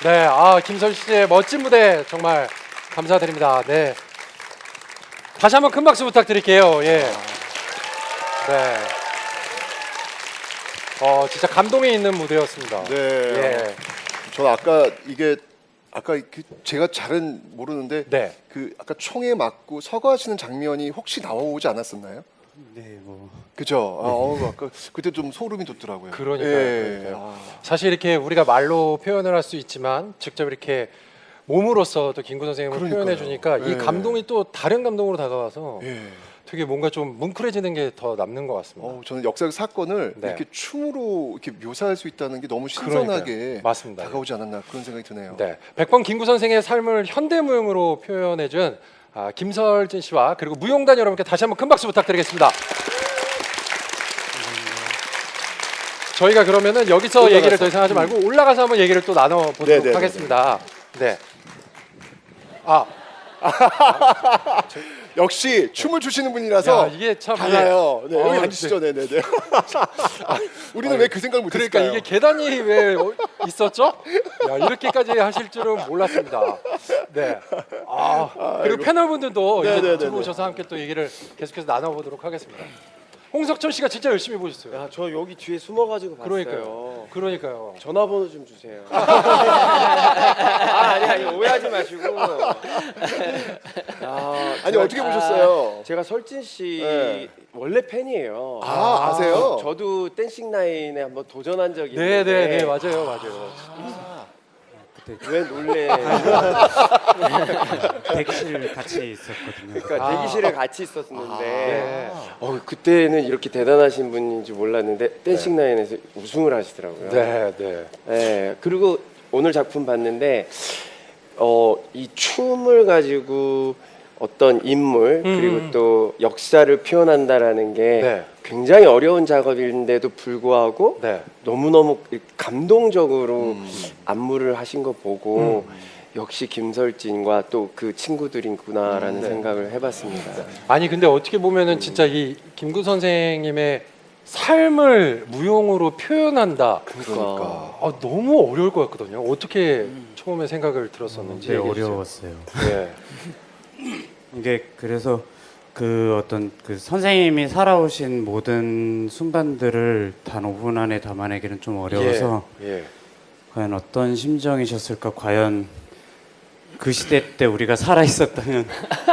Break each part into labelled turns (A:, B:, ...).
A: 네, 김선 씨의 멋진 무대 정말 감사드립니다. 네, 다시 한번 큰 박수 부탁드릴게요. 예, 네, 진짜 감동이 있는 무대였습니다.
B: 네.
A: 예,
B: 저 아까 이게 아까 제가 잘은 모르는데
A: 네.
B: 그 아까 총에 맞고 서거하시는 장면이 혹시 나오지 않았었나요?
C: 네, 뭐
B: 그죠? 아까 그때 좀 소름이 돋더라고요.
A: 그러니까요.
B: 예.
A: 그러니까요. 사실 이렇게 우리가 말로 표현을 할 수 있지만 직접 이렇게 몸으로서 또 김구 선생님을
B: 그러니까요.
A: 표현해 주니까 이
B: 예.
A: 감동이 또 다른 감동으로 다가와서
B: 예.
A: 되게 뭔가 좀 뭉클해지는 게 더 남는 것 같습니다.
B: 저는 역사적 사건을
A: 네.
B: 이렇게 춤으로 이렇게 묘사할 수 있다는 게 너무 신선하게
A: 그러니까요. 맞습니다.
B: 다가오지 않았나 그런 생각이 드네요.
A: 네, 백번 김구 선생의 삶을 현대무용으로 표현해준 김설진 씨와 그리고 무용단 여러분께 다시 한번 큰 박수 부탁드리겠습니다. 저희가 그러면은 여기서
B: 올라가서.
A: 얘기를 더 이상 하지 말고 올라가서 한번 얘기를 또 나눠보도록
B: 네네네네.
A: 하겠습니다. 네.
B: 역시 춤을 추시는 분이라서
A: 야, 이게 참
B: 달라요. 네, 여기
A: 네.
B: 앉으시죠. 네네네. 우리는 왜 그 생각을 못했을까요?
A: 그러니까 이게 계단이 왜 있었죠? 야, 이렇게까지 하실 줄은 몰랐습니다. 네. 그리고 패널분들도 이제
B: 네네네네.
A: 들어오셔서 함께 또 얘기를 계속해서 나눠보도록 하겠습니다. 홍석천 씨가 진짜 열심히 보셨어요.
D: 야, 저 여기 뒤에 숨어가지고 봤어요.
A: 그러니까요.
D: 전화번호 좀 주세요. 아니 오해하지 마시고.
B: 아니 어떻게 보셨어요?
D: 제가 설진 씨
B: 네.
D: 원래 팬이에요.
B: 아세요?
D: 저도 댄싱 라인에 한번 도전한 적이 있는데.
A: 네네네, 맞아요.
D: 왜 놀래?
C: 대기실 같이 있었거든요.
D: 그러니까 대기실에 같이 있었는데
A: 네.
D: 그때는 이렇게 대단하신 분인지 몰랐는데 댄싱 라인에서 우승을 하시더라고요.
A: 네.
D: 네, 그리고 오늘 작품 봤는데 이 춤을 가지고 어떤 인물 그리고 또 역사를 표현한다라는 게
A: 네.
D: 굉장히 어려운 작업인데도 불구하고
A: 네.
D: 너무너무 감동적으로 안무를 하신 거 보고 역시 김설진과 또 그 친구들이구나라는 생각을 해봤습니다.
A: 아니 근데 어떻게 보면은 진짜 이 김구 선생님의 삶을 무용으로 표현한다.
D: 그러니까.
A: 너무 어려울 것 같거든요. 어떻게 처음에 생각을 들었었는지.
C: 되게
A: 얘기해 주세요.
C: 어려웠어요.
A: 네.
C: 이게 그래서 그 어떤 그 선생님이 살아오신 모든 순간들을 단 5분 안에 담아내기는 좀 어려워서
A: 예.
C: 과연 어떤 심정이셨을까? 과연 그 시대 때 우리가 살아 있었다면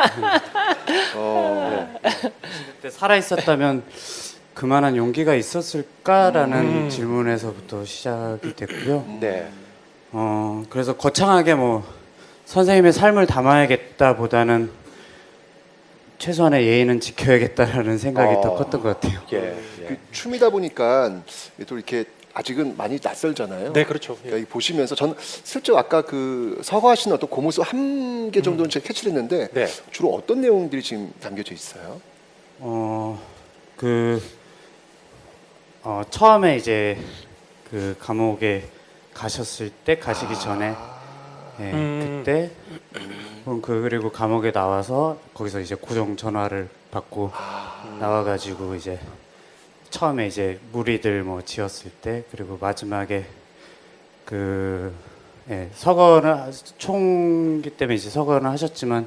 C: 그때 살아 있었다면 그만한 용기가 있었을까라는 질문에서부터 시작이 됐고요.
A: 네.
C: 그래서 거창하게 뭐 선생님의 삶을 담아야겠다보다는 최소한의 예의는 지켜야겠다라는 생각이 더 컸던 것 같아요.
A: 예.
B: 그 춤이다 보니까 또 이렇게 아직은 많이 낯설잖아요.
A: 네, 그렇죠. 예.
B: 그러니까 이 보시면서 저는 슬쩍 아까 그 서거하시는 어떤 그 모습 한 개 정도는 제가 캐치를 했는데
A: 네.
B: 주로 어떤 내용들이 지금 담겨져 있어요?
C: 처음에 이제 그 감옥에 가셨을 때 가시기 전에 그때 그리고 감옥에 나와서 거기서 이제 고정 전화를 받고 나와가지고 이제 처음에 이제 무리들 뭐 지었을 때 그리고 마지막에 그 서거는 총기 때문에 이제 서거는 하셨지만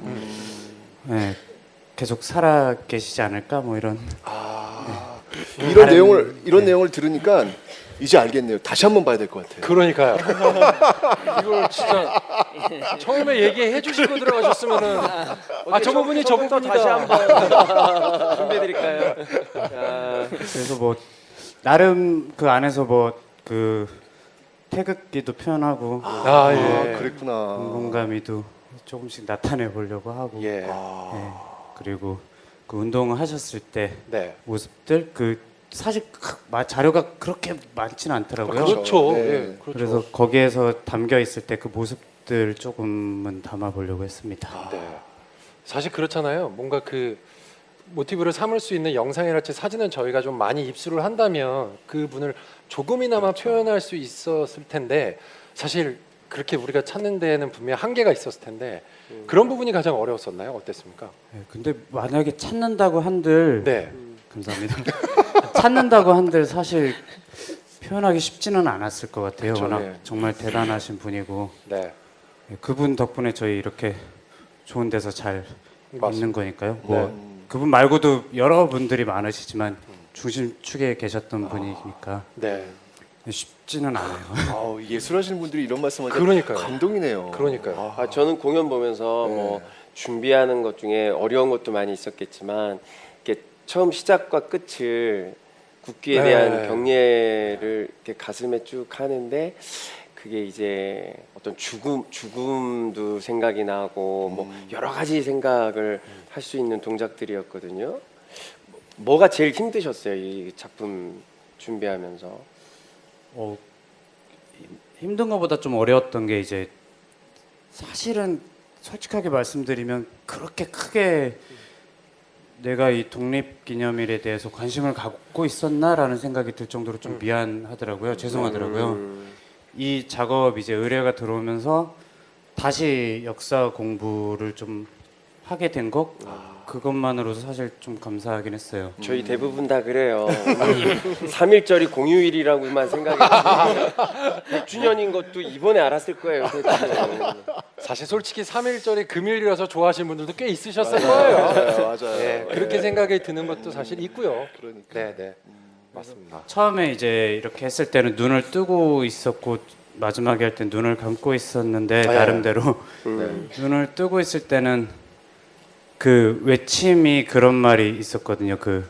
C: 계속 살아 계시지 않을까 뭐 이런
B: 이런 내용을 들으니까 이제 알겠네요. 다시 한번 봐야 될 것 같아요.
A: 그러니까요. 이걸 진짜 처음에 얘기해 주시고 들어가셨으면은 저 부분이 저 부분이다.
D: 다시 한번 준비해드릴까요?
C: 그래서 뭐 나름 그 안에서 뭐 그 태극기도 표현하고
A: 예.
B: 그랬구나.
C: 공감이도 조금씩 나타내 보려고 하고
A: 예.
C: 그리고 그 운동을 하셨을 때
A: 네.
C: 모습들 그 사실 자료가 그렇게 많지는 않더라고요.
A: 그렇죠.
B: 네.
A: 예. 그렇죠.
C: 그래서 거기에서 담겨 있을 때 그 모습들 조금은 담아 보려고 했습니다.
A: 네. 사실 그렇잖아요. 뭔가 그 모티브를 삼을 수 있는 영상이랄지 사진은 저희가 좀 많이 입수를 한다면 그 분을 조금이나마 표현할 수 있었을 텐데 사실 그렇게 우리가 찾는 데에는 분명 한계가 있었을 텐데 그런 부분이 가장 어려웠었나요? 어땠습니까?
C: 근데 만약에 찾는다고 한들
A: 네.
C: 감사합니다. 찾는다고 한들 사실 표현하기 쉽지는 않았을 것 같아요.
B: 그쵸,
C: 워낙
B: 네.
C: 정말 대단하신 분이고
A: 네.
C: 그분 덕분에 저희 이렇게 좋은 데서 잘
A: 맞습니다.
C: 있는 거니까요. 뭐
A: 네.
C: 그분 말고도 여러 분들이 많으시지만 중심축에 계셨던 분이니까
A: 네.
C: 쉽지는 않아요.
B: 아우, 예술하시는 분들이 이런 말씀하니까
A: 그러니까요.
B: 감동이네요.
A: 그러니까요.
D: 아, 저는 공연 보면서
B: 네.
D: 뭐 준비하는 것 중에 어려운 것도 많이 있었겠지만 이렇게 처음 시작과 끝을 국기에
A: 네.
D: 대한 경례를 이렇게 가슴에 쭉 하는데 그게 이제 어떤 죽음도 생각이 나고 뭐 여러 가지 생각을 할 수 있는 동작들이었거든요. 뭐가 제일 힘드셨어요, 이 작품 준비하면서?
C: 힘든 것보다 좀 어려웠던 게 이제 사실은 솔직하게 말씀드리면 그렇게 크게 내가 이 독립기념일에 대해서 관심을 갖고 있었나라는 생각이 들 정도로 좀 미안하더라고요. 죄송하더라고요. 이 작업 이제 의뢰가 들어오면서 다시 역사 공부를 좀 하게 된 것 그것만으로도 사실 좀 감사하긴 했어요.
D: 저희 대부분 다 그래요. 3.1절이 공휴일이라고만 생각했는데 100주년인 것도 이번에 알았을 거예요.
A: 사실 솔직히 3.1절이 금일이라서 좋아하시는 분들도 꽤 있으셨을 거예요.
B: 맞아요.
A: 네, 그렇게 생각이 드는 것도 사실 있고요.
B: 그러니까.
A: 네, 네. 맞습니다.
C: 처음에 이제 이렇게 했을 때는 눈을 뜨고 있었고 마지막에 할 땐 눈을 감고 있었는데
A: 아, 예.
C: 나름대로 눈을 뜨고 있을 때는 그 외침이 그런 말이 있었거든요. 그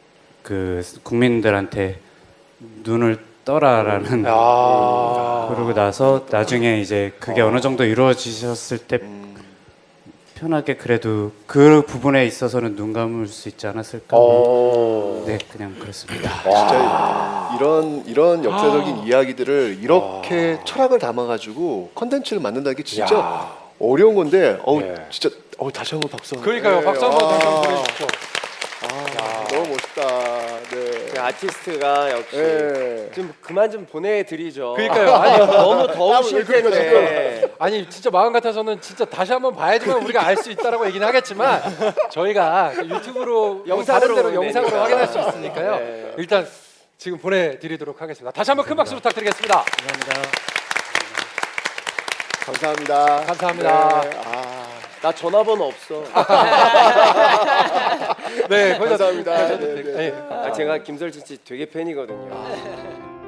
C: 국민들한테 눈을 떠라라는
A: 아,
C: 그러고 나서 나중에 이제 그게 어느 정도 이루어지셨을 때 편하게 그래도 그 부분에 있어서는 눈 감을 수 있지 않았을까. 네, 그냥 그렇습니다.
B: 진짜 이런 역사적인 이야기들을 이렇게 철학을 담아가지고 컨텐츠를 만든다는 게 진짜
A: 야.
B: 어려운 건데,
A: 예.
B: 진짜 다시 한번 박수.
A: 그러니까요. 박수 한번 좀 보내주십시오.
B: 너무 멋있다. 네.
D: 그 아티스트가 역시
B: 네.
D: 좀 그만 좀 보내드리죠.
A: 그러니까요. 아니,
D: 너무 더우실 텐데.
A: 아니 진짜 마음 같아서는 진짜 다시 한번 봐야지만 우리가 알 수 있다라고 얘기는 하겠지만 저희가 유튜브로
D: 영상으로
A: 다른 데로
D: 보면
A: 영상으로
D: 되니까.
A: 확인할 수 있으니까요.
D: 네.
A: 일단 지금 보내드리도록 하겠습니다. 다시 한번 큰 박수 부탁드리겠습니다.
B: 감사합니다.
A: 감사합니다.
B: 네.
D: 나 전화번호 없어.
A: 네, 거기다
B: 감사합니다.
A: 네,
B: 네, 네.
A: 네.
D: 제가 김설진 씨 되게 팬이거든요.